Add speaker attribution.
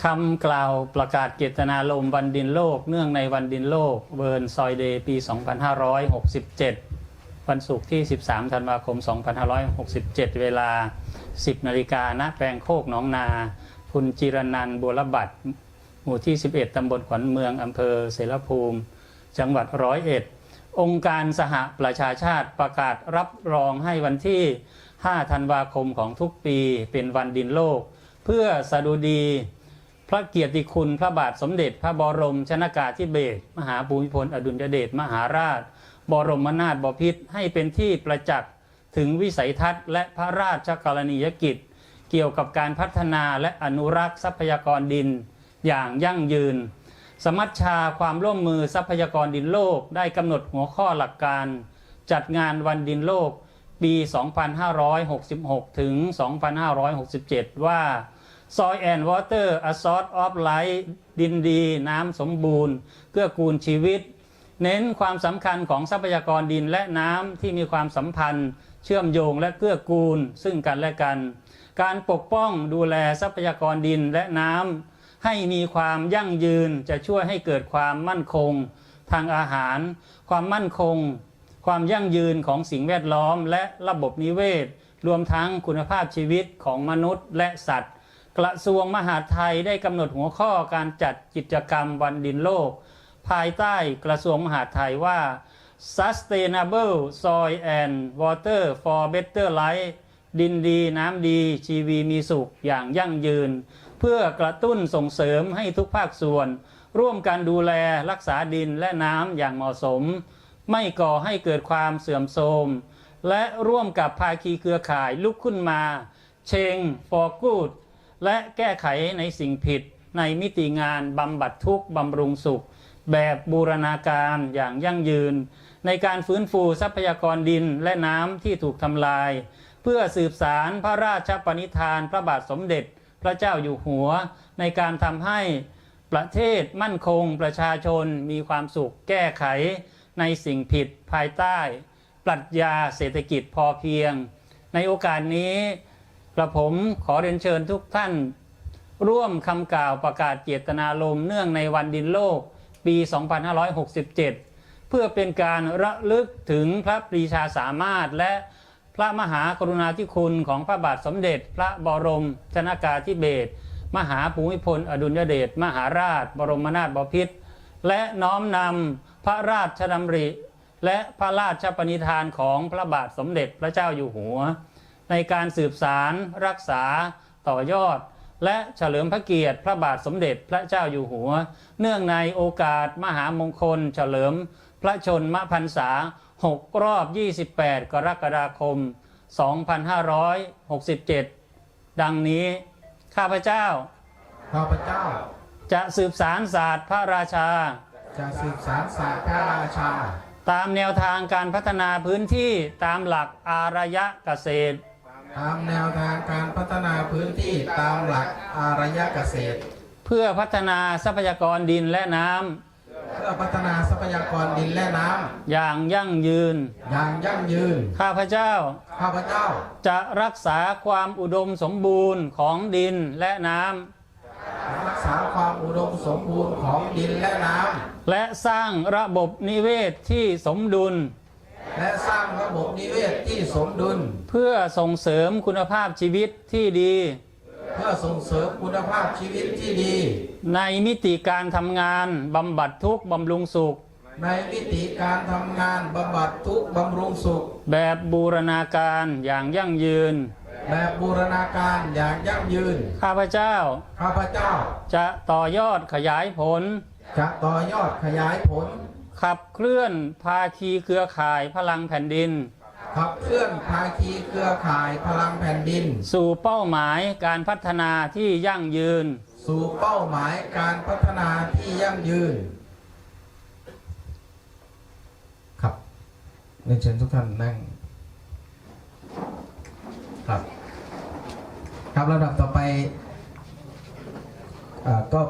Speaker 1: คำกล่าวประกาศเจตนารมณ์วันดินโลกเนื่องในวันดินโลกเวิร์นซอยเดย์ปี 2567 วันศุกร์ที่ 13 ธันวาคม 2567 เวลา 10 นาฬิกาณแปลงโคกหนองนาคุณจิรนันท์บัวระบัดหมู่ที่ 11 ตำบลขวัญเมืองอำเภอเสรภูมิจังหวัด101องค์การสหประชาชาติประกาศรับรองให้วันที่ 5 ธันวาคมของทุกปีเป็นวันดินโลกเพื่อสดุดีพระเกียรติคุณพระบาทสมเด็จพระบรมชนกาธิเบศรมหาภูมิพลอดุลยเดชมหาราชบรมนาถบพิตรให้เป็นที่ประจักษ์ถึงวิสัยทัศน์และพระราชกรณียกิจเกี่ยวกับการพัฒนาและอนุรักษ์ทรัพยากรดินอย่างยั่งยืนสมัชชาความร่วมมือทรัพยากรดินโลกได้กำหนดหัวข้อหลักการจัดงานวันดินโลกปี 2566 ถึง 2567 ว่า Soil and Water a Source of Life ดินดีน้ำสมบูรณ์เกื้อกูลชีวิตเน้นความสำคัญของทรัพยากรดินและน้ำที่มีความสัมพันธ์เชื่อมโยงและเกื้อกูลซึ่งกันและกันการปกป้องดูแลทรัพยากรดินและน้ำให้มีความยั่งยืนจะช่วยให้เกิดความมั่นคงทางอาหารความมั่นคงความยั่งยืนของสิ่งแวดล้อมและระบบนิเวศรวมทั้งคุณภาพชีวิตของมนุษย์และสัตว์กระทรวงมหาดไทยได้กำหนดหัวข้อการจัดกิจกรรมวันดินโลกภายใต้กระทรวงมหาดไทยว่า Sustainable Soil and Water for Better Life ดินดีน้ำดีชีวีมีสุขอย่างยั่งยืนเพื่อกระตุ้นส่งเสริมให้ทุกภาคส่วนร่วมกันดูแลรักษาดินและน้ำอย่างเหมาะสมไม่ก่อให้เกิดความเสื่อมโทรมและร่วมกับภาคีเครือข่ายลุกขึ้นมาChange for Good และแก้ไขในสิ่งผิดในมิติงานบำบัดทุกข์บำรุงสุขแบบบูรณาการอย่างยั่งยืนในการฟื้นฟูทรัพยากรดินและน้ำที่ถูกทำลายเพื่อสืบสารพระราชปณิธานพระบาทสมเด็จพระเจ้าอยู่หัวในการทำให้ประเทศมั่นคงประชาชนมีความสุขแก้ไขในสิ่งผิดภายใต้ปรัชญาเศรษฐกิจพอเพียงในโอกาสนี้กระผมขอเรียนเชิญทุกท่านร่วมคำกล่าวประกาศเจตนารมณ์เนื่องในวันดินโลกปี 2567 เพื่อเป็นการระลึกถึงพระปรีชาสามารถและพระมหากรุณาธิคุณของพระบาทสมเด็จพระบรมชนกาธิเบศรมหาภูมิพลอดุลยเดชมหาราชบรมนาถบพิตรและน้อมนำพระราชดำริและพระราชปณิธานของพระบาทสมเด็จพระเจ้าอยู่หัวในการสืบสารรักษาต่อยอดและเฉลิมพระเกียรติพระบาทสมเด็จพระเจ้าอยู่หัวเนื่องในโอกาสมหามงคลเฉลิมพระชนมพรรษา6 รอบ 28 กรกฎาคม 2567 ดังนี้ข้าพเจ้าจะสืบสารศาสตร์พระราชาตามแนวทางการพัฒนาพื้นที่ตามหลักอารยเกษตรเพื่อพัฒนาทรัพยากรดินและน้ำอย่างยั่งยืนข้าพเจ้าจะรักษาความอุดมสมบูรณ์ของดินและน้ำและสร้างระบบนิเวศที่สมดุลเพื่อส่งเสริมคุณภาพชีวิตที่ดีในมิติการทำงานบำบัดทุกข์บำรุงสุขแบบบูรณาการอย่างยั่งยืนข้าพเจ้าจะต่อยอดขยายผลขับเคลื่อนภาคีเครือข่ายพลังแผ่นดินสู่เป้าหมายการพัฒนาที่ยั่งยืน
Speaker 2: ครับเรียนเชิญทุกท่านนั่งครับลำดับต่อไปก็